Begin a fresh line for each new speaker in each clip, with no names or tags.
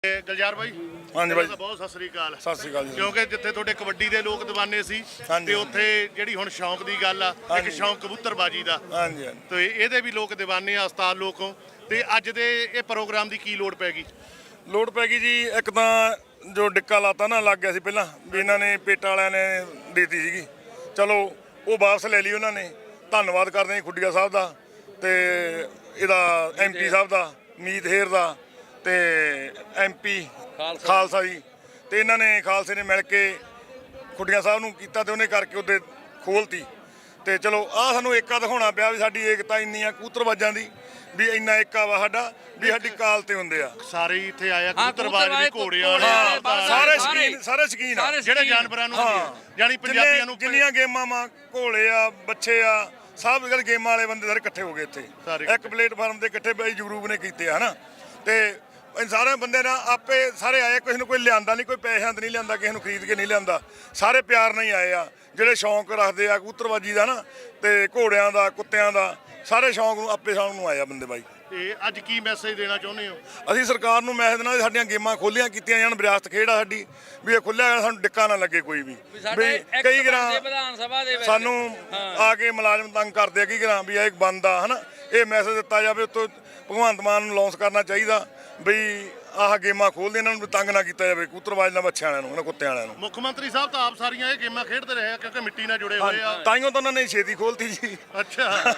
ਗੁਲਜ਼ਾਰ ਬਾਈ
ਹਾਂਜੀ ਬਾਈ
ਬਹੁਤ ਸਤਿ ਸ੍ਰੀ ਅਕਾਲ।
ਸਤਿ ਸ੍ਰੀ ਅਕਾਲ ਜੀ।
ਕਿਉਂਕਿ ਜਿੱਥੇ ਤੁਹਾਡੇ ਕਬੱਡੀ ਦੇ ਲੋਕ دیਵਾਨੇ ਸੀ ਤੇ ਉੱਥੇ ਜਿਹੜੀ ਹੁਣ ਸ਼ੌਂਕ ਦੀ ਗੱਲ ਆ, ਇੱਕ ਸ਼ੌਂਕ ਕਬੂਤਰਬਾਜੀ ਦਾ,
ਹਾਂਜੀ ਹਾਂਜੀ
ਤੇ ਇਹਦੇ ਵੀ ਲੋਕ دیਵਾਨੇ ਆ ਉਸਤਾਦ ਲੋਕੋਂ। ਤੇ ਅੱਜ ਦੇ ਇਹ ਪ੍ਰੋਗਰਾਮ ਦੀ ਕੀ ਲੋੜ ਪੈ ਗਈ?
ਲੋੜ ਪੈ ਗਈ ਜੀ, ਇੱਕ ਤਾਂ ਜੋ ਡਿੱਕਾ ਲਾਤਾ ਨਾ ਲੱਗ ਗਿਆ ਸੀ ਪਹਿਲਾਂ ਵੀ ਇਹਨਾਂ ਨੇ ਪੇਟਾ ਵਾਲਿਆਂ ਨੇ ਦੇਤੀ ਸੀਗੀ, ਚਲੋ ਉਹ ਵਾਪਸ ਲੈ ਲਈ ਉਹਨਾਂ ਨੇ। ਧੰਨਵਾਦ ਕਰਦੇ ਹਾਂ ਖੁੱਡੀਆ ਸਾਹਿਬ ਦਾ ਤੇ ਇਹਦਾ ਐਮਪੀ ਸਾਹਿਬ ਦਾ, ਮੀਤ ਹੇਰ ਦਾ ਤੇ ਐਮਪੀ ਖਾਲਸਾ ਜੀ, ਤੇ ਇਹਨਾਂ ਨੇ ਖਾਲਸੇ ਨੇ ਮਿਲ ਕੇ ਖੁੱਡੀਆਂ ਸਾਹਿਬ ਨੂੰ ਕੀਤਾ ਤੇ ਉਹਨੇ ਕਰਕੇ ਉਹਦੇ ਖੋਲਤੀ। ਤੇ ਚਲੋ ਆਹ ਸਾਨੂੰ ਏਕਾ ਦਿਖਾਉਣਾ ਪਿਆ ਵੀ ਸਾਡੀ ਏਕਤਾ ਇੰਨੀ ਆ ਕਬੂਤਰਬਾਜ਼ਾਂ ਦੀ, ਵੀ ਇੰਨਾ ਏਕਾ ਵਾ ਸਾਡਾ ਵੀ ਸਾਡੀ ਕਾਲ ਤੇ ਹੁੰਦੇ ਆ
ਸਾਰੇ ਹੀ ਇੱਥੇ ਆਇਆ ਕਬੂਤਰਬਾਜ਼ ਵੀ, ਘੋੜੇ ਵਾਲੇ,
ਸਾਰੇ ਸ਼ੌਕੀਨ ਆ ਜਿਹੜੇ
ਜਾਨਵਰਾਂ ਨੂੰ ਜਾਨੀ ਪੰਜਾਬੀਆਂ ਨੂੰ
ਜਿੰਨੀਆਂ ਗੇਮਾਂ ਵਾ, ਘੋੜੇ ਆ, ਬੱਚੇ ਆ, ਸਭ ਗੱਲ ਗੇਮਾਂ ਵਾਲੇ ਬੰਦੇ ਸਾਰੇ ਇਕੱਠੇ ਹੋ ਗਏ ਇੱਥੇ ਇੱਕ ਪਲੇਟਫਾਰਮ ਤੇ ਇਕੱਠੇ ਬਾਈ ਜਗਰੂਪ ਨੇ ਕੀਤੇ ਆ ਹਨਾ। ਤੇ ਸਾਰੇ ਬੰਦੇ ਨਾਲ ਆਪੇ ਸਾਰੇ ਆਏ, ਕਿਸੇ ਨੂੰ ਕੋਈ ਲਿਆਂਦਾ ਨਹੀਂ, ਕੋਈ ਪੈਸਿਆਂ ਤੇ ਨਹੀਂ ਲਿਆਂਦਾ, ਕਿਸੇ ਨੂੰ ਖਰੀਦ ਕੇ ਨਹੀਂ ਲਿਆਂਦਾ, ਸਾਰੇ ਪਿਆਰ ਨਾਲ ਹੀ ਆਏ ਆ ਜਿਹੜੇ ਸ਼ੌਂਕ ਰੱਖਦੇ ਆ ਕਬੂਤਰਬਾਜੀ ਦਾ ਨਾ, ਤੇ ਘੋੜਿਆਂ ਦਾ, ਕੁੱਤਿਆਂ ਦਾ, ਸਾਰੇ ਸ਼ੌਂਕ ਨੂੰ ਆਪੇ ਸ਼ੌਂਕ ਨੂੰ ਆਏ ਆ ਬੰਦੇ ਬਾਈ।
ਤੇ ਅੱਜ ਕੀ ਮੈਸੇਜ ਦੇਣਾ ਚਾਹੁੰਦੇ ਹੋ?
ਅਸੀਂ ਸਰਕਾਰ ਨੂੰ ਮੈਸੇਜ ਦੇਣਾ, ਸਾਡੀਆਂ ਗੇਮਾਂ ਖੋਲੀਆਂ ਕੀਤੀਆਂ ਜਾਣ, ਵਿਰਾਸਤ ਖੇਡ ਆ ਸਾਡੀ, ਵੀ ਇਹ ਖੁੱਲਿਆ ਸਾਨੂੰ ਡਿੱਕਾ ਨਾ ਲੱਗੇ ਕੋਈ ਵੀ। ਕਈ ਗਰਾਂ ਸਾਨੂੰ ਆ ਕੇ ਮੁਲਾਜ਼ਮ ਤੰਗ ਕਰਦੇ ਆ, ਕਈ ਗਰਾਂ ਵੀ ਇਹ ਬੰਦ ਆ ਹਨਾ, ਇਹ ਮੈਸੇਜ ਦਿੱਤਾ ਜਾਵੇ ਉੱਤੋਂ ਭਗਵੰਤ ਮਾਨ ਨੂੰ ਲਾਂਚ ਕਰਨਾ ਚਾਹੀਦਾ ਬਈ ਆਹ ਗੇਮਾਂ ਖੋਲਦੇ, ਇਹਨਾਂ ਨੂੰ ਤੰਗ ਨਾ ਕੀਤਾ ਜਾਵੇ ਕਬੂਤਰਬਾਜ਼ ਨਾਲ, ਬੱਚਿਆਂ ਵਾਲਿਆਂ ਨੂੰ, ਇਹਨਾਂ ਕੁੱਤਿਆਂ ਵਾਲਿਆਂ ਨੂੰ।
ਮੁੱਖ ਮੰਤਰੀ ਸਾਹਿਬ ਤਾਂ ਆਪ ਸਾਰੀਆਂ ਇਹ ਗੇਮਾਂ ਖੇਡਦੇ ਰਹੇ ਆ ਕਿਉਂਕਿ ਮਿੱਟੀ ਨਾਲ ਜੁੜੇ ਹੋਏ ਆ,
ਤਾਈਓ ਤਾਂ ਉਹਨਾਂ ਨੇ ਛੇਤੀ ਖੋਲਤੀ ਜੀ।
ਅੱਛਾ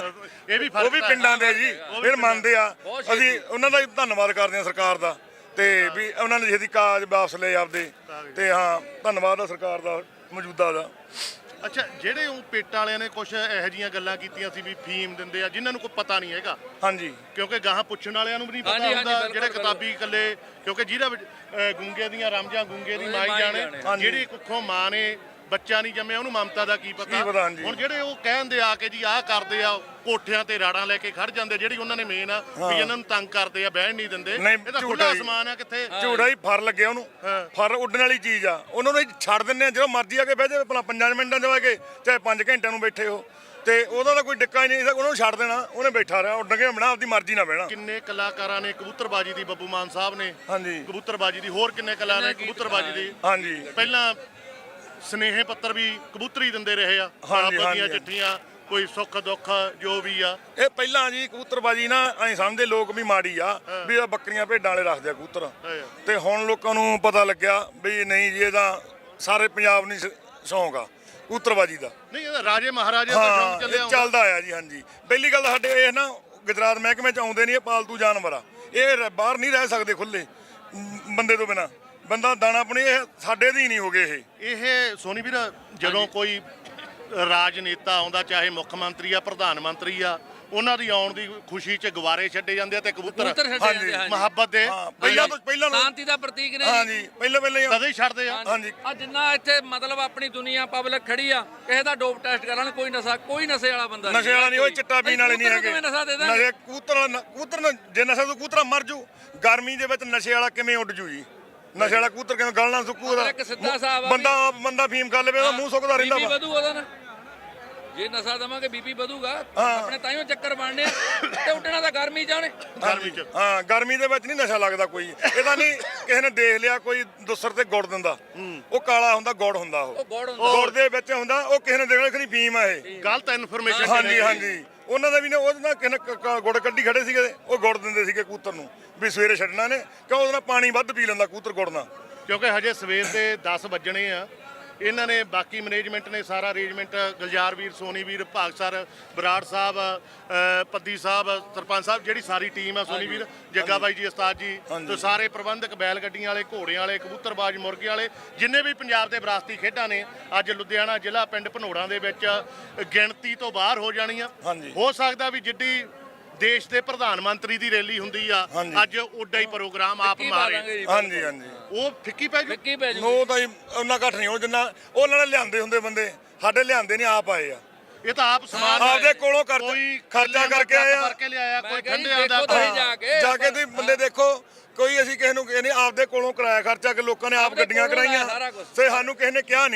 ਇਹ ਵੀ
ਉਹ ਵੀ ਪਿੰਡਾਂ ਦੇ ਜੀ, ਫਿਰ ਮੰਨਦੇ ਆ, ਅਸੀਂ ਉਹਨਾਂ ਦਾ ਧੰਨਵਾਦ ਕਰਦੇ ਆ ਸਰਕਾਰ ਦਾ, ਤੇ ਵੀ ਉਹਨਾਂ ਨੇ ਛੇਤੀ ਕਾਜ ਵਾਪਸ ਲਏ ਆਪਦੇ, ਤੇ ਹਾਂ ਧੰਨਵਾਦ ਆ ਸਰਕਾਰ ਦਾ ਮੌਜੂਦਾ ਦਾ।
ਅੱਛਾ, ਜਿਹੜੇ ਉਹ ਪੇਟਾਂ ਵਾਲਿਆਂ ਨੇ ਕੁਝ ਇਹੋ ਜਿਹੀਆਂ ਗੱਲਾਂ ਕੀਤੀਆਂ ਸੀ ਵੀ ਫੀਮ ਦਿੰਦੇ ਆ, ਜਿਨ੍ਹਾਂ ਨੂੰ ਕੋਈ ਪਤਾ ਨਹੀਂ ਹੈਗਾ।
ਹਾਂਜੀ,
ਕਿਉਂਕਿ ਗਾਹਾਂ ਪੁੱਛਣ ਵਾਲਿਆਂ ਨੂੰ ਵੀ ਨਹੀਂ ਪਤਾ ਹੁੰਦਾ, ਜਿਹੜੇ ਕਿਤਾਬੀ ਇਕੱਲੇ, ਕਿਉਂਕਿ ਜਿਹਦਾ ਗੂੰਗੇ ਦੀਆਂ ਰਮਜਾਂ ਗੂੰਗੇ ਦੀ ਮਾਈ ਜਾਣੇ, ਜਿਹੜੀ ਕੁੱਖੋਂ ਮਾਂ ਨੇ ਬੱਚਾ ਨਹੀਂ ਜੰਮਿਆ ਉਹਨੂੰ ਮਮਤਾ ਦਾ ਕੀ ਪਤਾ। ਹੁਣ ਜਿਹੜੇ ਉਹ ਕਹਿੰਦੇ ਆ ਕਿ ਜੀ ਆਹ ਕਰਦੇ ਆ, ਕੋਠਿਆਂ ਤੇ ਰਾੜਾਂ ਲੈ ਕੇ ਖੜ ਜਾਂਦੇ, ਜਿਹੜੀ ਉਹਨਾਂ ਨੇ ਮੇਨ ਆ ਵੀ ਇਹਨਾਂ ਨੂੰ ਤੰਗ ਕਰਦੇ ਆ, ਬਹਿਣ ਨਹੀਂ ਦਿੰਦੇ, ਇਹ ਤਾਂ ਖੁੱਲਾ ਅਸਮਾਨ ਆ ਕਿੱਥੇ
ਝੂੜਾ ਹੀ ਫਰ ਲੱਗਿਆ ਉਹਨੂੰ, ਫਰ ਉੱਡਣ ਵਾਲੀ ਚੀਜ਼ ਆ, ਉਹਨਾਂ ਨੂੰ ਛੱਡ ਦਿੰਦੇ ਆ, ਜਦੋਂ ਮਰਜ਼ੀ ਆ ਕੇ ਬਹਿ ਜਾਵੇ, ਭਲਾ 5 ਮਿੰਟਾਂ ਦੇ ਕੇ ਚਾਹੇ 5 ਘੰਟਿਆਂ ਨੂੰ ਬੈਠੇ ਹੋ, ਤੇ ਉਹਦਾ ਤਾਂ ਕੋਈ ਡਿੱਕਾ ਹੀ ਨਹੀਂ, ਉਹਨੂੰ ਛੱਡ ਦੇਣਾ, ਉਹਨੇ ਬੈਠਾ ਰਿਹਾ ਉੱਡ ਕੇ ਬਣਾ, ਆਪਦੀ ਮਰਜ਼ੀ ਨਾਲ ਬਹਿਣਾ।
ਕਿੰਨੇ ਕਲਾਕਾਰਾਂ ਨੇ ਕਬੂਤਰਬਾਜੀ ਦੀ, ਬੱਬੂ ਮਾਨ ਸਾਹਿਬ ਨੇ
ਹਾਂਜੀ
ਕਬੂਤਰਬਾਜੀ ਦੀ, ਹੋਰ ਕਿੰਨੇ ਕਲਾ ਨੇ ਕਬੂਤਰਬਾਜੀ ਦੀ।
ਹਾਂਜੀ,
ਪਹਿਲਾਂ ਸਨੇਹ ਪੱਤਰ ਵੀ ਕਬੂਤਰੀ ਦਿੰਦੇ ਰਹੇ ਆ, ਦੀਆਂ ਚਿੱਠੀਆਂ, ਕੋਈ ਸੁੱਖ ਦੁੱਖ ਜੋ ਵੀ ਆ।
ਇਹ ਪਹਿਲਾਂ ਜੀ ਕਬੂਤਰਬਾਜੀ ਨਾ ਐਂ ਸਮਝਦੇ ਲੋਕ ਵੀ ਮਾੜੀ ਆ, ਵੀ ਇਹ ਬੱਕਰੀਆਂ ਭੇਡਾਂ ਵਾਲੇ ਰੱਖਦੇ ਆ ਕਬੂਤਰ, ਤੇ ਹੁਣ ਲੋਕਾਂ ਨੂੰ ਪਤਾ ਲੱਗਿਆ ਵੀ ਨਹੀਂ ਜੀ, ਇਹਦਾ ਸਾਰੇ ਪੰਜਾਬ ਨੂੰ ਸ਼ੌਂਕ ਆ ਕਬੂਤਰਬਾਜੀ ਦਾ।
ਨਹੀਂ, ਇਹਦਾ ਰਾਜੇ ਮਹਾਰਾਜੇ ਦਾ ਸ਼ੌਂਕ ਚੱਲਿਆ
ਚੱਲਦਾ ਆ ਜੀ। ਹਾਂਜੀ, ਪਹਿਲੀ ਗੱਲ ਸਾਡੇ ਇਹ ਨਾ ਗੁਜਰਾਤ ਮਹਿਕਮੇ ਚ ਆਉਂਦੇ ਨਹੀਂ, ਇਹ ਪਾਲਤੂ ਜਾਨਵਰ ਆ, ਇਹ ਬਾਹਰ ਨਹੀਂ ਰਹਿ ਸਕਦੇ ਖੁੱਲੇ ਬੰਦੇ ਤੋਂ ਬਿਨਾਂ, ਬੰਦਾ ਦਾਣਾ ਪਾਣੀ ਇਹ ਸਾਡੇ ਦੇ ਹੀ ਨਹੀਂ ਹੋ ਗਏ। ਇਹ
ਸੋਨੀ ਵੀਰ, ਜਦੋਂ ਕੋਈ ਰਾਜਨੇਤਾ ਆਉਂਦਾ, ਚਾਹੇ ਮੁੱਖ ਮੰਤਰੀ ਆ, ਪ੍ਰਧਾਨ ਮੰਤਰੀ ਆ, ਉਹਨਾਂ ਦੀ ਆਉਣ ਦੀ ਖੁਸ਼ੀ 'ਚ ਗੁਬਾਰੇ ਛੱਡੇ ਜਾਂਦੇ ਆ, ਤੇ ਕਬੂਤਰ ਮੁਹੱਬਤ ਦੇ
ਪਹਿਲਾਂ ਸ਼ਾਂਤੀ ਦਾ ਪ੍ਰਤੀਕ ਨੇ।
ਹਾਂਜੀ, ਪਹਿਲਾਂ
ਕਦੇ ਹੀ ਛੱਡਦੇ ਆ।
ਹਾਂਜੀ,
ਆ ਜਿੰਨਾ ਇੱਥੇ ਮਤਲਬ ਆਪਣੀ ਦੁਨੀਆ ਪਬਲਿਕ ਖੜੀ ਆ, ਕਿਸੇ ਦਾ ਡੋਪ ਟੈਸਟ ਕਰਾਉਣ, ਕੋਈ ਨਸ਼ੇ ਵਾਲਾ ਬੰਦਾ
ਨਸ਼ੇ ਵਾਲਾ ਨਹੀਂ, ਉਹ ਚਿੱਟਾ ਪੀਣ ਵਾਲੇ ਨਹੀਂ ਹੈਗੇ। ਨਸ਼ੇ ਕਬੂਤਰ ਜੇ ਨਸ਼ਾ ਤੋਂ ਕਬੂਤਰ ਮਰ ਜੂ, ਗਰਮੀ ਦੇ ਵਿੱਚ ਨਸ਼ੇ ਵਾਲਾ ਕਿਵੇਂ ਉੱਡ ਜੂ ਜੀ? ਨਸ਼ੇ ਵਾਲਾ ਕਬੂਤਰ ਕਿਵੇਂ ਗਲਣਾ ਸੁੱਕੂ? ਬੰਦਾ ਫੀਮ ਕਰ ਲਵੇ, ਉਹਦਾ ਮੂੰਹ ਸੁੱਕਦਾ ਰਹਿੰਦਾ ਵਾ।
ਵਧੂ ਉਹਦਾ ਨਾ, ਜੇ ਨਸ਼ਾ ਦਵਾਂਗੇ ਬੀਪੀ ਵਧੂਗਾ, ਆਪਣੇ ਤਾਈਓ ਚੱਕਰ ਬਣਨੇ ਤੇ ਉੱਡਣਾ ਤਾਂ ਗਰਮੀ ਚ ਉਹਨੇ।
ਹਾਂ, ਗਰਮੀ ਦੇ ਵਿੱਚ ਨਹੀਂ ਨਸ਼ਾ ਲੱਗਦਾ ਕੋਈ, ਇਹਦਾ ਨਹੀਂ ਕਿਸੇ ਨੇ ਦੇਖ ਲਿਆ ਕੋਈ ਦੁਸਰ ਤੇ ਗੁੜ ਦਿੰਦਾ, ਉਹ ਕਾਲਾ ਹੁੰਦਾ, ਗੁੜ ਹੁੰਦਾ, ਉਹ ਗੁੜ ਦੇ ਵਿੱਚ ਹੁੰਦਾ, ਉਹ ਕਿਸੇ ਨੇ ਦੇਖਣਾ ਕਿ ਫੀਮ ਆ, ਇਹ
ਗਲਤ ਇਨਫੋਰਮੇਸ਼ਨ।
ਹਾਂਜੀ ਹਾਂਜੀ, ਉਹਨਾਂ ਦਾ ਵੀ ਨੇ ਉਹਦੇ ਨਾਲ ਕਿਸੇ ਗੁੜ ਕੱਢੀ ਖੜੇ ਸੀਗੇ, ਉਹ ਗੁੜ ਦਿੰਦੇ ਸੀਗੇ ਕਬੂਤਰ ਨੂੰ ਵੀ ਸਵੇਰੇ ਛੱਡਣਾ ਨੇ, ਕਿਉਂ ਉਹਦੇ ਨਾਲ ਪਾਣੀ ਵੱਧ ਪੀ ਲੈਂਦਾ ਕਬੂਤਰ ਗੁੜ ਨਾਲ।
ਕਿਉਂਕਿ ਹਜੇ ਸਵੇਰ ਦੇ 10 ਵੱਜਣੇ ਆ, ਇਹਨਾਂ ਨੇ ਬਾਕੀ ਮੈਨੇਜਮੈਂਟ ਨੇ ਸਾਰਾ ਅਰੇਂਜਮੈਂਟ, ਗੁਲਜ਼ਾਰ ਵੀਰ, ਸੋਨੀ ਵੀਰ, ਭਾਗਸਰ, ਬਰਾੜ ਸਾਹਿਬ, ਪੱਦੀ ਸਾਹਿਬ, ਸਰਪੰਚ ਸਾਹਿਬ, ਜਿਹੜੀ ਸਾਰੀ ਟੀਮ ਆ, ਸੋਨੀ ਵੀਰ, ਜੱਗਾ ਬਾਈ ਜੀ, ਉਸਤਾਦ ਜੀ, ਤੇ ਸਾਰੇ ਪ੍ਰਬੰਧਕ, ਬੈਲ ਗੱਡੀਆਂ ਵਾਲੇ, ਘੋੜਿਆਂ ਵਾਲੇ, ਕਬੂਤਰਬਾਜ਼, ਮੁਰਗੇ ਵਾਲੇ, ਜਿੰਨੇ ਵੀ ਪੰਜਾਬ ਦੇ ਵਿਰਾਸਤੀ ਖੇਡਾਂ ਨੇ, ਅੱਜ ਲੁਧਿਆਣਾ ਜ਼ਿਲ੍ਹਾ ਪਿੰਡ ਭਨੋੜਾਂ ਦੇ ਵਿੱਚ ਗਿਣਤੀ ਤੋਂ ਬਾਹਰ ਹੋ ਜਾਣੀਆਂ। ਹੋ ਸਕਦਾ ਵੀ ਜਿੱਡੀ ਦੇਸ਼ ਦੇ ਪ੍ਰਧਾਨ ਮੰਤਰੀ ਦੀ ਰੈਲੀ ਹੁੰਦੀ ਆ, ਅੱਜ ਓਡਾ ਹੀ ਪ੍ਰੋਗਰਾਮ ਆਪ ਮਾਰੇ।
ਹਾਂਜੀ ਹਾਂਜੀ,
ਉਹ ਫਿੱਕੀ ਪੈ ਜੂ।
ਉਹ ਤਾਂ ਉਹਨਾਂ ਘੱਟ ਨਹੀਂ, ਉਹ ਜਿੰਨਾ ਉਹਨਾਂ ਨੇ ਲਿਆਂਦੇ ਹੁੰਦੇ ਬੰਦੇ, ਸਾਡੇ ਲਿਆਂਦੇ ਨਹੀਂ, ਆਪ ਆਏ ਆ।
ਇਹ ਤਾਂ ਆਪ ਸਮਾਨ
ਆਪਦੇ ਕੋਲੋਂ ਖਰਚਾ ਕਰਕੇ ਆਏ ਆ,
ਕੋਈ ਠੰਡੇ ਦਾ
ਜਾ ਕੇ ਤੁਸੀਂ ਬੰਦੇ ਦੇਖੋ, ਕੋਈ ਅਸੀਂ ਕਿਸੇ ਨੂੰ ਨਹੀਂ, ਆਪਦੇ ਕੋਲੋਂ ਕਰਾਇਆ ਖਰਚਾ ਕੇ ਲੋਕਾਂ ਨੇ ਆਪ ਗੱਡੀਆਂ ਕਰਾਈਆਂ, ਤੇ ਸਾਨੂੰ ਕਿਸੇ ਨੇ ਕਿਹਾ ਨਹੀਂ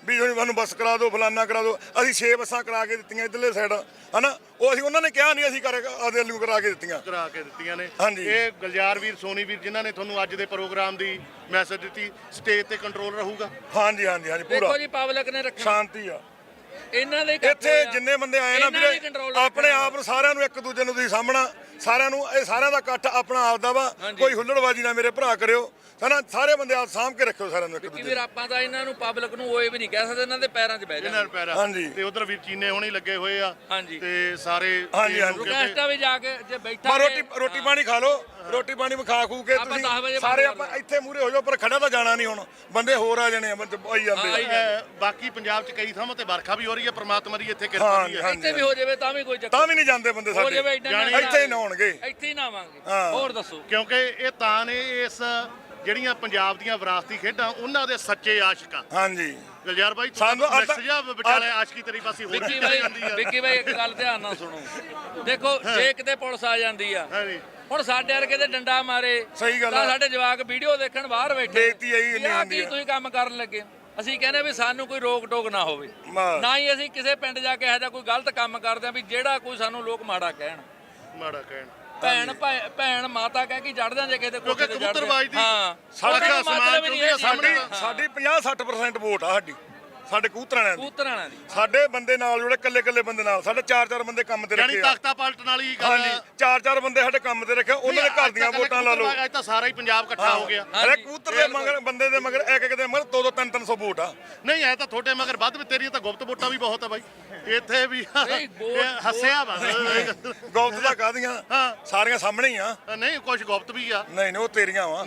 ਵੀ ਤੁਸੀਂ ਸਾਨੂੰ ਬੱਸ ਕਰਾ ਦਿਓ, ਫਲਾਨਾ ਕਰਾ ਦਿਓ। ਅਸੀਂ 6 ਬੱਸਾਂ ਕਰਾ ਕੇ ਦਿੱਤੀਆਂ ਇੱਧਰਲੇ ਸਾਈਡ, ਹਨਾ। ਉਹ ਅਸੀਂ ਉਹਨਾਂ ਨੇ ਕਿਹਾ ਨਹੀਂ, ਅਸੀਂ ਆਦੇ ਨੂੰ ਕਰਾ ਕੇ ਦਿੱਤੀਆਂ
ਨੇ।
ਹਾਂਜੀ।
ਇਹ ਗੁਲਜ਼ਾਰ ਵੀਰ, ਸੋਨੀ ਵੀਰ ਜਿਨ੍ਹਾਂ ਨੇ ਤੁਹਾਨੂੰ ਅੱਜ ਦੇ ਪ੍ਰੋਗਰਾਮ ਦੀ ਮੈਸੇਜ ਦਿੱਤੀ, ਸਟੇਜ ਤੇ ਕੰਟਰੋਲ ਰਹੂਗਾ।
ਹਾਂਜੀ ਹਾਂਜੀ ਹਾਂਜੀ, ਪੂਰਾ
ਦੇਖੋ ਜੀ ਪਬਲਿਕ ਨੇ ਰੱਖਣਾ
ਸ਼ਾਂਤੀ ਆ
ਇਹਨਾਂ ਦੇ
ਇੱਥੇ। ਜਿੰਨੇ ਬੰਦੇ ਆਏ ਨਾ ਵੀਰੇ, ਆਪਣੇ ਆਪ ਨੂੰ ਸਾਰਿਆਂ ਨੂੰ ਇੱਕ ਦੂਜੇ ਨੂੰ ਤੁਸੀਂ ਸਾਹਮਣਾ, ਸਾਰਿਆਂ ਨੂੰ, ਇਹ ਸਾਰਿਆਂ ਦਾ ਇਕੱਠ ਆਪਣਾ ਆਪ ਦਾ ਵਾ। ਕੋਈ ਹੁੱਲੜਬਾਜ਼ੀ ਨਾ ਮੇਰੇ ਭਰਾ ਕਰਿਓ, ਹਨਾ। ਸਾਰੇ ਬੰਦੇ ਆਪ ਸਾਂਭ ਕੇ ਰੱਖਿਓ ਸਾਰਿਆਂ ਨੂੰ ਇੱਕ ਦੂਜੇ
ਵੀਰ। ਆਪਾਂ ਤਾਂ ਇਹਨਾਂ ਨੂੰ ਪਬਲਿਕ ਨੂੰ ਓਏ ਵੀ ਨਹੀਂ ਕਹਿ ਸਕਦੇ, ਇਹਨਾਂ ਦੇ ਪੈਰਾਂ 'ਚ ਬਹਿ ਜਾਣਾ।
ਹਾਂਜੀ।
ਤੇ ਉਧਰ ਵੀਰ ਚੀਨੇ ਹੋਣੀ ਲੱਗੇ ਹੋਏ ਆ।
ਹਾਂਜੀ।
ਤੇ ਸਾਰੇ
ਹਾਂਜੀ, ਹਾਂਜੀ।
ਰੁਕੈਸਟਾ ਵੀ ਜਾ ਕੇ ਜੇ ਬੈਠਾ
ਰੋਟੀ ਪਾਣੀ ਖਾ ਲਓ, ਰੋਟੀ ਪਾਣੀ ਖਾ ਖੂ ਕੇ
ਆਪਾਂ 10 ਵਜੇ
ਤੁਸੀਂ ਸਾਰੇ ਆਪਾਂ ਇੱਥੇ ਮੂਰੇ ਹੋ ਜਾਓ, ਪਰ ਖੜਾ ਤਾਂ ਜਾਣਾ ਨਹੀਂ ਹੁਣ, ਬੰਦੇ ਹੋਰ ਆ ਜਾਣੇ ਆ, ਆਈ ਜਾਂਦੇ ਆ।
ਬਾਕੀ ਪੰਜਾਬ 'ਚ ਕਈ ਥਾਵਾਂ ਤੇ ਵਰਖਾ ਵੀ ਹੋ ਰਹੀ ਹੈ, ਪ੍ਰਮਾਤਮਾ ਦੀ ਇੱਥੇ ਕਿਰਪਾ ਵੀ ਹੈ।
ਇੱਥੇ ਵੀ ਹੋ ਜਾਵੇ ਤਾਂ ਵੀ ਕੋਈ ਚੱਕਰ
ਤਾਂ ਵੀ ਨਹੀਂ ਜਾਂਦੇ ਬੰਦੇ
ਹੋ ਜਾਵੇ
ਸਾਡੇ, ਇੱਥੇ ਹੀ ਨਹਾਉਣਗੇ,
ਇੱਥੇ ਹੀ ਨਾਵਾਂਗੇ।
ਹਾਂ।
ਹੋਰ ਦੱਸੋ।
ਕਿਉਂਕਿ ਇਹ ਤਾਂ ਨੇ ਇਸ ਜਿਹੜੀਆਂ ਪੰਜਾਬ ਦੀਆਂ ਵਿਰਾਸਤੀ ਖੇਡਾਂ, ਉਹਨਾਂ ਦੇ ਸੱਚੇ ਆਸ਼ਿਕ ਆ।
ਹਾਂਜੀ
ਗੁਲਜ਼ਾਰ ਬਾਈ,
ਸਾਨੂੰ
ਮੈਸੇਜ ਵਿਚਾਲੇ ਆਸ਼ਕੀ ਤੇਰੀ ਪਾਸੇ ਹੋਰ
ਵਿੱਕੀ ਬਾਈ ਇੱਕ ਗੱਲ ਧਿਆਨ ਨਾਲ ਸੁਣੋ। ਦੇਖੋ ਜੇ ਕਿਤੇ ਪੁਲਿਸ ਆ ਜਾਂਦੀ ਆ,
ਹਾਂਜੀ।
ਹੁਣ ਸਾਡੇ ਵਰਗੇ ਦੇ ਡੰਡਾ ਮਾਰੇ,
ਸਹੀ ਗੱਲ
ਤਾਂ
ਆ।
ਸਾਡੇ ਜਵਾਕ ਵੀਡੀਓ ਦੇਖਣ ਬਾਹਰ ਬੈਠੇ,
ਬੇਇੱਜ਼ਤੀ ਇਹੀ
ਵੀ
ਇੰਨੀ
ਆਹ
ਹੁੰਦੀ
ਕੀ
ਆ।
ਤੁਸੀਂ ਕੰਮ ਕਰਨ ਲੱਗੇ। ਅਸੀਂ ਕਹਿੰਦੇ ਵੀ ਸਾਨੂੰ ਕੋਈ ਰੋਕ ਟੋਕ ਨਾ ਹੋਵੇ,
ਬਸ।
ਨਾ ਹੀ ਅਸੀਂ ਕਿਸੇ ਪਿੰਡ ਜਾ ਕੇ ਇਹੋ ਜਿਹਾ ਕੋਈ ਗਲਤ ਕੰਮ ਕਰਦੇ ਆ ਵੀ ਜਿਹੜਾ ਕੋਈ ਸਾਨੂੰ ਲੋਕ ਮਾੜਾ ਕਹਿਣ।
ਮਾੜਾ ਕਹਿਣ।
ਭੈਣ ਮਾਤਾ ਕਹਿ ਕੇ ਚੜ ਜਾਂਦੇ ਕਿਸੇ ਦੇ
ਕਿਉਂਕਿ
ਕੋਠੇ ਤੇ ਚੜ੍ਹਦੇ।
ਕਬੂਤਰਬਾਜ਼ ਦੀ
ਹਾਂ,
ਸੜਕ
ਉਹਦਾ
ਅਸਮਾਨ
ਮਤਲਬ ਹੀ ਨਹੀਂ
ਚੁੰਦੀ ਆ
ਹੈ
ਸਾਡੀ 50-60% ਵੋਟ ਆ ਸਾਡੀ, ਸਾਡੇ ਕਬੂਤਰਾਂ ਦੀ।
ਕਬੂਤਰਾਂ ਦੀ
ਸਾਡੇ ਬੰਦੇ ਨਾਲ ਜੁੜੇ, ਕੱਲੇ ਬੰਦੇ ਨਾਲ, ਸਾਡੇ 4-4 ਬੰਦੇ ਕੰਮ ਤੇ
ਯਾਨੀ
ਰੱਖੇ ਆ।
ਤਖਤਾ ਪਲਟਣ ਵਾਲੀ ਗੱਲ।
ਹਾਂਜੀ, 4-4 ਬੰਦੇ ਸਾਡੇ ਕੰਮ ਤੇ ਰੱਖੇ, ਉਹਨਾਂ ਦੇ ਘਰ ਦੀਆਂ ਵੋਟਾਂ ਲਾ ਲਓ।
ਅੱਜ ਤਾਂ ਸਾਰਾ ਹੀ ਪੰਜਾਬ ਇਕੱਠਾ ਹੋ ਗਿਆ।
ਅਰੇ ਕਬੂਤਰ ਦੇ ਮਗਰ, ਬੰਦੇ ਦੇ ਮਗਰ, ਇੱਕ ਦੇ ਮਗਰ 200 300 ਵੋਟ ਆ।
ਨਹੀਂ ਐ ਤਾਂ ਤੁਹਾਡੇ ਮਗਰ ਵੱਧ ਵੀ, ਤੇਰੀਆਂ ਤਾਂ ਗੁਪਤ ਵੋਟਾਂ ਵੀ ਬਹੁਤ ਆ ਬਾਈ ਇੱਥੇ ਵੀ।
ਵੋਟ-
ਹੱਸਿਆ ਵਾ।
ਗੌਲਤ ਦਾ ਕਾਹਦੀਆਂ,
ਹਾਂ।
ਸਾਰੀਆਂ ਸਾਹਮਣੇ ਹੀ ਆ।
ਨਹੀਂ ਕੁਝ ਗੁਪਤ ਵੀ ਆ।
ਨਹੀਂ ਉਹ ਤੇਰੀਆਂ ਵਾ।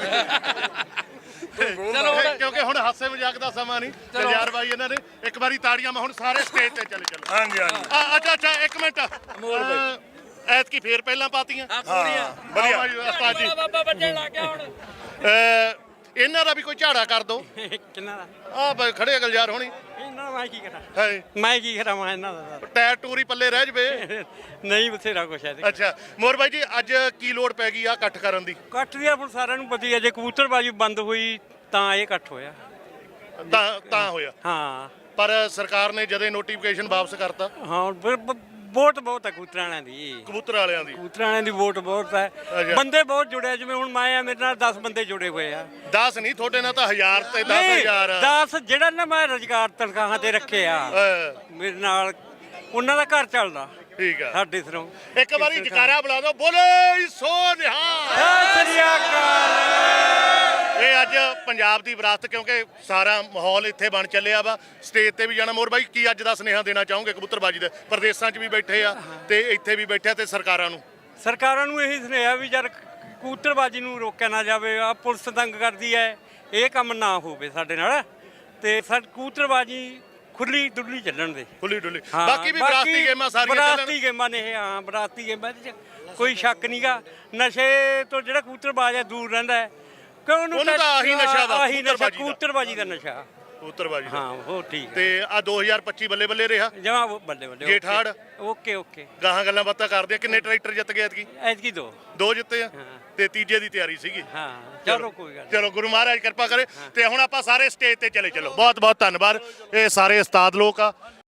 ਚਲੋ ਹੁਣ-
ਕਿਉਂਕਿ ਹੁਣ ਹਾਸੇ ਮਜ਼ਾਕ ਦਾ ਸਮਾਂ ਨਹੀਂ। ਗੁਲਜ਼ਾਰ ਬਾਈ ਇਹਨਾਂ ਨੇ ਇੱਕ ਵਾਰੀ ਤਾੜੀਆਂ ਮੈਂ ਹੁਣ ਸਾਰੇ ਸਟੇਜ ਤੇ ਚਲੋ।
ਹਾਂਜੀ ਹਾਂਜੀ।
ਅੱਛਾ ਇੱਕ ਮਿੰਟ। ਐਤਕੀ ਫੇਰ ਪਹਿਲਾਂ ਪਾਤੀਆਂ।
ਪੂਰੀਆਂ
ਵਧੀਆ।
ਉਸਤਾਦ ਜੀ,
ਬਾਬਾ ਵੱਜਣ ਲੱਗ ਗਿਆ ਹੁਣ।
ਇਹਨਾਂ ਦਾ ਵੀ ਕੋਈ ਝਾੜਾ ਕਰ ਦੋ।
ਕਿੰਨਾ ਦਾ
ਆ ਬਈ ਖੜੇ ਆ ਗੁਲਜ਼ਾਰ ਹੋਣੀ।
ਇਹਨਾਂ ਦਾ ਮੈਂ ਕੀ ਕਰਾਂ,
ਹੈ
ਮੈਂ ਕੀ ਕਰਾਂ ਇਹਨਾਂ ਦਾ
ਟਾਇਰ ਟੂਰੀ ਪੱਲੇ ਰਹਿ ਜਵੇ।
ਨਹੀਂ ਬਥੇਰਾ ਕੁਛ ਹੈ।
ਅੱਛਾ ਮੋਰ ਬਾਈ ਜੀ, ਅੱਜ ਕੀ ਲੋੜ ਪੈ ਗਈ ਆ ਇਕੱਠ ਕਰਨ ਦੀ?
ਕੱਟ ਦੀ ਹੁਣ ਸਾਰਿਆਂ ਨੂੰ ਪਤਾ ਹੀ ਹੈ, ਜੇ ਕਬੂਤਰਬਾਜੀ ਬੰਦ ਹੋਈ ਤਾਂ ਇਹ ਇਕੱਠ ਹੋਇਆ।
ਤਾਂ ਹੋਇਆ।
ਹਾਂ
ਪਰ ਸਰਕਾਰ ਨੇ ਜਦੇ ਨੋਟੀਫਿਕੇਸ਼ਨ ਵਾਪਸ ਕਰਤਾ
ਹਾਂ, ਵੋਟ ਬਹੁਤ ਹੈ ਕਬੂਤਰਾਂ ਵਾਲਿਆਂ ਦੀ।
ਕਬੂਤਰ ਵਾਲਿਆਂ ਦੀ
ਕਬੂਤਰਾਂ ਵਾਲਿਆਂ ਦੀ ਵੋਟ ਬਹੁਤ ਹੈ,
ਅੱਛਾ।
ਬੰਦੇ ਬਹੁਤ ਜੁੜੇ ਆ। ਜਿਵੇਂ ਹੁਣ ਮੈਂ ਆ, ਮੇਰੇ ਨਾਲ 10 ਬੰਦੇ ਜੁੜੇ ਹੋਏ ਆ।
10 ਨਹੀਂ, ਤੁਹਾਡੇ ਨਾਲ ਤਾਂ 1000 ਤੇ 10,000।
10 ਜਿਹੜਾ ਨਾ ਮੈਂ ਰੁਜ਼ਗਾਰ ਤਨਖਾਹਾਂ ਤੇ ਰੱਖੇ ਆ ਮੇਰੇ ਨਾਲ, ਉਹਨਾਂ ਦਾ ਘਰ ਚੱਲਦਾ
ਠੀਕ ਆ।
ਸਾਡੇ ਸਿਰੋਂ।
ਇੱਕ ਵਾਰੀ ਜਕਾਰਾ ਬੁਲਾ ਦਿਓ, ਬੋਲੇ ਸੋ ਨਿਹਾਲ।
ਸਤਿ ਸ੍ਰੀ ਅਕਾਲ।
ਇਹ ਅੱਜ ਪੰਜਾਬ ਦੀ ਵਿਰਾਸਤ, ਕਿਉਂਕਿ ਸਾਰਾ ਮਾਹੌਲ ਇੱਥੇ ਬਣ ਚੱਲਿਆ ਵਾ। ਸਟੇਜ ਤੇ ਵੀ ਜਾਣਾ। ਮੋਰ ਬਾਈ, ਕੀ ਅੱਜ ਦਾ ਸੁਨੇਹਾ ਦੇਣਾ ਚਾਹੋਗੇ ਕਬੂਤਰਬਾਜੀ ਦੇ? ਪ੍ਰਦੇਸਾਂ 'ਚ ਵੀ ਬੈਠੇ ਆ ਤੇ ਇੱਥੇ ਵੀ ਬੈਠੇ ਆ, ਤੇ ਸਰਕਾਰਾਂ ਨੂੰ?
ਸਰਕਾਰਾਂ ਨੂੰ ਇਹੀ ਸੁਨੇਹਾ ਵੀ ਯਾਰ ਕਬੂਤਰਬਾਜੀ ਨੂੰ ਰੋਕਿਆ ਨਾ ਜਾਵੇ। ਆ ਪੁਲਿਸ ਤੰਗ ਕਰਦੀ ਹੈ, ਇਹ ਕੰਮ ਨਾ ਹੋਵੇ ਸਾਡੇ ਨਾਲ, ਤੇ ਕਬੂਤਰਬਾਜੀ ਖੁੱਲੀ ਡੁੱਲੀ ਚੱਲਣ ਦੇ।
ਖੁੱਲੀ ਡੁੱਲੀ।
ਹਾਂ,
ਬਾਕੀ ਵੀ ਵਿਰਾਸਤੀ ਗੇਮਾਂ ਸਾਰੀਆਂ ਚੱਲਣ।
ਵਿਰਾਸਤੀ ਗੇਮਾਂ ਨੇ ਇਹ, ਹਾਂ ਵਿਰਾਸਤੀ ਗੇਮਾਂ ਇਹਦੇ 'ਚ ਕੋਈ ਸ਼ੱਕ ਨਹੀਂਗਾ। ਨਸ਼ੇ ਤੋਂ ਜਿਹੜਾ ਕਬੂਤਰਬਾਜ਼ ਹੈ ਦੂਰ ਰਹਿੰਦਾ ਹੈ, ਕਿਉਂ ਉਹਨੂੰ
ਤਾਂ ਆਹੀ ਨਸ਼ਾ ਵਾ,
ਆਹੀ ਨਸ਼ਾ,
ਕਬੂਤਰਬਾਜ਼ੀ ਦਾ।
ਕਬੂਤਰਬਾਜੀ ਦਾ ਨਸ਼ਾ।
ਕਬੂਤਰਬਾਜੀ ਦਾ।
ਹਾਂ ਹੋ ਠੀਕ ਹੈ।
ਤੇ ਆ 2025 ਬੱਲੇ ਬੱਲੇ ਰਿਹਾ।
ਜਮਾ ਬੱਲੇ ਬੱਲੇ।
ਜੇਠਾੜ।
ਓਕੇ
ਗਾਹਾਂ ਗੱਲਾਂ ਬਾਤਾਂ ਕਰਦੇ ਆ। ਕਿੰਨੇ ਟਰੈਕਟਰ ਜਿੱਤ ਗਏ ਐਤਕੀ?
ਐਤਕੀ
ਦੋ ਜਿੱਤੇ ਆ,
ਹਾਂ।
ਤੇ ਤੀਜੇ ਦੀ ਤਿਆਰੀ ਸੀਗੀ।
ਹਾਂ ਚਲੋ ਕੋਈ ਗੱਲ
ਚਲੋ ਗੁਰੂ ਮਹਾਰਾਜ ਕਿਰਪਾ ਕਰੇ। ਤੇ ਹੁਣ ਆਪਾਂ ਸਾਰੇ ਸਟੇਜ ਤੇ ਚਲੋ। ਬਹੁਤ ਬਹੁਤ ਧੰਨਵਾਦ। ਇਹ ਸਾਰੇ ਉਸਤਾਦ ਲੋਕ ਆ।